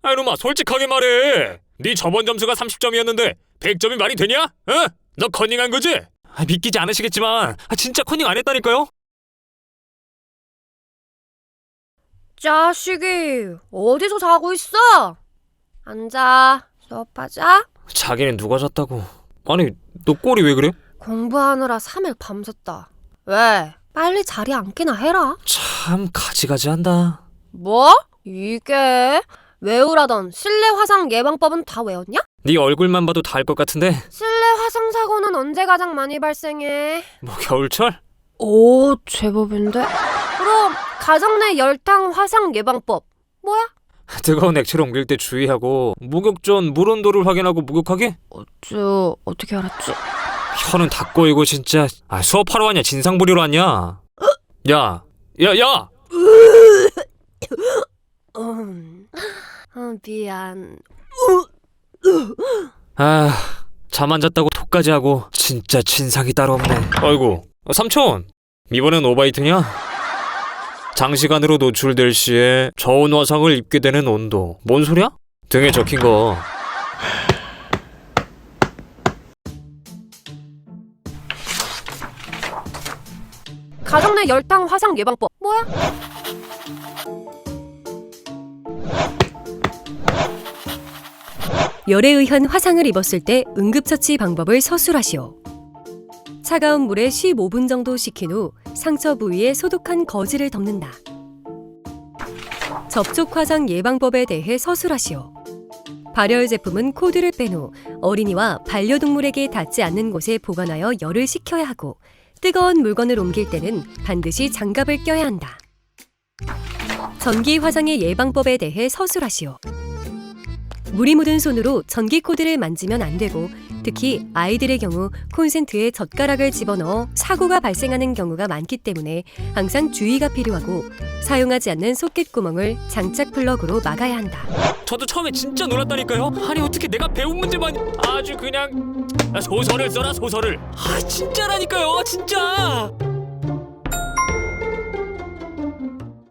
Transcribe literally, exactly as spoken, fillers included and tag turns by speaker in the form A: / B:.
A: 아 이놈아 솔직하게 말해. 네 저번 점수가 삼십 점이었는데 백 점이 말이 되냐? 어? 너 커닝한 거지? 아, 믿기지 않으시겠지만 아, 진짜 커닝 안 했다니까요?
B: 자식이 어디서 자고 있어? 앉아, 수업하자.
A: 자기는 누가 잤다고. 아니 너 꼴이 왜 그래?
B: 공부하느라 삼 일 밤샜다. 왜? 빨리 자리 앉기나 해라.
A: 참 가지가지한다.
B: 뭐? 이게? 외우라던 실내 화상 예방법은 다 외웠냐?
A: 네 얼굴만 봐도 다 알 것 같은데.
B: 실내 화상 사고는 언제 가장 많이 발생해?
A: 뭐 겨울철?
B: 오, 제법인데? 그럼 가정 내 열탕 화상 예방법 뭐야?
A: 뜨거운 액체를 옮길 때 주의하고 목욕 전 물 온도를 확인하고 목욕하게?
B: 어쭈, 어떻게 알았지?
A: 혀는 다 꼬이고 진짜. 아 수업하러 왔냐 진상 부리러 왔냐? 야! 야! 야!
B: 음, 어, 미안.
A: 아, 잠 안 잤다고 톡까지 하고 진짜 진상이 따로 없네. 아이고, 삼촌! 이번엔 오바이트냐? 장시간으로 노출될 시에 저온 화상을 입게 되는 온도. 뭔 소리야? 등에 적힌 거.
B: 가정 내 열탕 화상 예방법 뭐야?
C: 열에 의한 화상을 입었을 때 응급처치 방법을 서술하시오. 차가운 물에 십오 분 정도 식힌 후 상처 부위에 소독한 거즈를 덮는다. 접촉 화상 예방법에 대해 서술하시오. 발열 제품은 코드를 뺀 후 어린이와 반려동물에게 닿지 않는 곳에 보관하여 열을 식혀야 하고, 뜨거운 물건을 옮길 때는 반드시 장갑을 껴야 한다. 전기 화상의 예방법에 대해 서술하시오. 물이 묻은 손으로 전기 코드를 만지면 안 되고, 특히 아이들의 경우 콘센트에 젓가락을 집어넣어 사고가 발생하는 경우가 많기 때문에 항상 주의가 필요하고, 사용하지 않는 소켓 구멍을 장착 플러그로 막아야 한다.
A: 저도 처음에 진짜 놀랐다니까요? 아니 어떻게 내가 배운 문제만 아주 그냥 소설을 써라 소설을. 아 진짜라니까요 진짜.